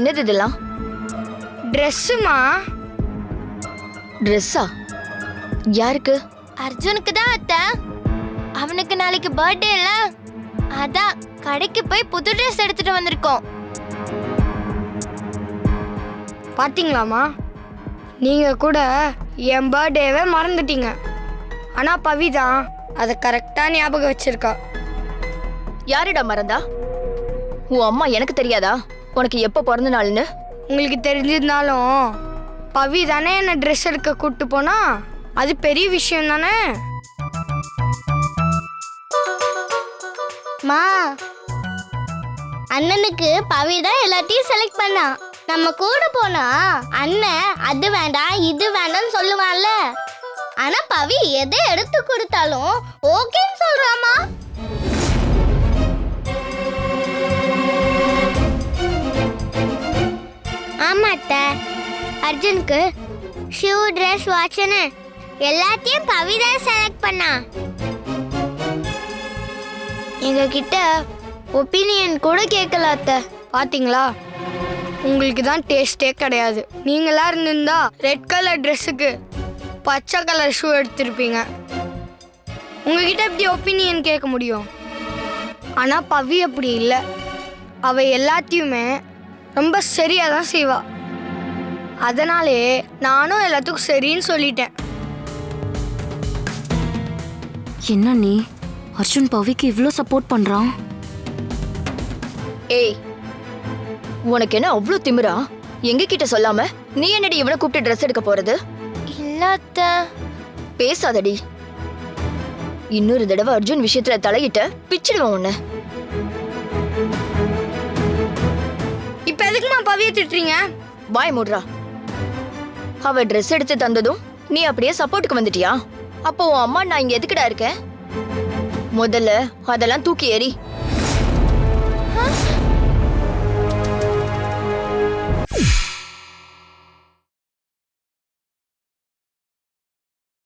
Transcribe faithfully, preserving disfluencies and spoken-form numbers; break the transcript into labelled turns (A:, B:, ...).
A: என்னது இதெல்லாம்?
B: ட்ரெஸ்ஸுமா.
A: ட்ரெஸ்ஸா? யாருக்கு?
C: அர்ஜுனுக்கு தான் அத்தை. அவனுக்கு நாளைக்கு பர்த்டே இல்ல, அதான் கடைக்கு போய் புது ட்ரெஸ் எடுத்துட்டு வந்திருக்கோம்.
B: பாத்தீங்களாமா, நீங்க கூட என் பர்த்டேவை மறந்துட்டீங்க. ஆனா பவி தான் அதை கரெக்டா ஞாபகம் வச்சிருக்கா.
A: யாருடா மறந்தா? உன் அம்மா எனக்கு தெரியாதா உனக்கு எப்ப பிறந்த நாள்னு?
B: உங்களுக்கு தெரிஞ்சிருந்தாலும் பவி தானே என்ன ட்ரெஸ் எடுக்க கூப்பிட்டு போனா, அது பெரிய விஷயம் தானே.
C: மா, அண்ணனுக்கு பவி தான் எல்லாத்தையும் செலக்ட் பண்ணா. நம்ம கூட போனா அண்ணன் அது வேண்டாம் இது வேண்டாம்னு சொல்லுவான்ல. ஆனா பவி எதை எடுத்து கொடுத்தாலும் ஓகேன்னு சொல்றாமா. ஆமா அத்தை, அர்ஜுனுக்கு ஷூ ட்ரெஸ் வாட்ச்னு எல்லாத்தையும் பவி தான் செலக்ட் பண்ணா.
B: எங்க கிட்ட ஒப்பீனியன் கூட கேட்கல அத்தை. பாத்தீங்களா, உங்களுக்கு தான் டேஸ்டே கிடையாது. நீங்களா இருந்திருந்தா ரெட் கலர் ட்ரெஸ்ஸுக்கு பச்சை கலர் ஷூ எடுத்திருப்பீங்க. உங்ககிட்ட எப்படி ஒப்பீனியன் கேட்க முடியும்? ஆனா பவி அப்படி இல்லை. அவ எல்லாத்தையுமே ரொம்ப சரியா தான் செய்வா. அதனாலே நானும் எல்லாத்துக்கும் சரின்னு சொல்லிட்டேன்.
D: என்ன நீ அர்ஜுன் பவிக்கு இவ்ளோ சப்போர்ட் பண்றான்?
A: ஏய், உனக்கு என்ன அவ்வளோ திமிரா? எங்க கிட்ட சொல்லாம நீ என்னடி இவனை கூப்பிட்டு ட்ரெஸ் எடுக்க போறது?
C: இல்ல அத்தை.
A: பேசாதடி. இன்னொரு தடவை அர்ஜுன் விஷயத்துல தலையிட்ட பிச்சிடுவான் உன்னை.
B: இப்ப எதுக்குமா பவியை திட்டுறீங்க?
A: வாய் மூடுறா. அவ ட்ரெஸ் எடுத்து தந்ததும் நீ அப்படியே சப்போர்ட்டுக்கு வந்துட்டியா? அப்போ உன் அம்மா நான் இங்க எதுக்குடா இருக்கேன்? முதல்ல அதெல்லாம் தூக்கி எறி.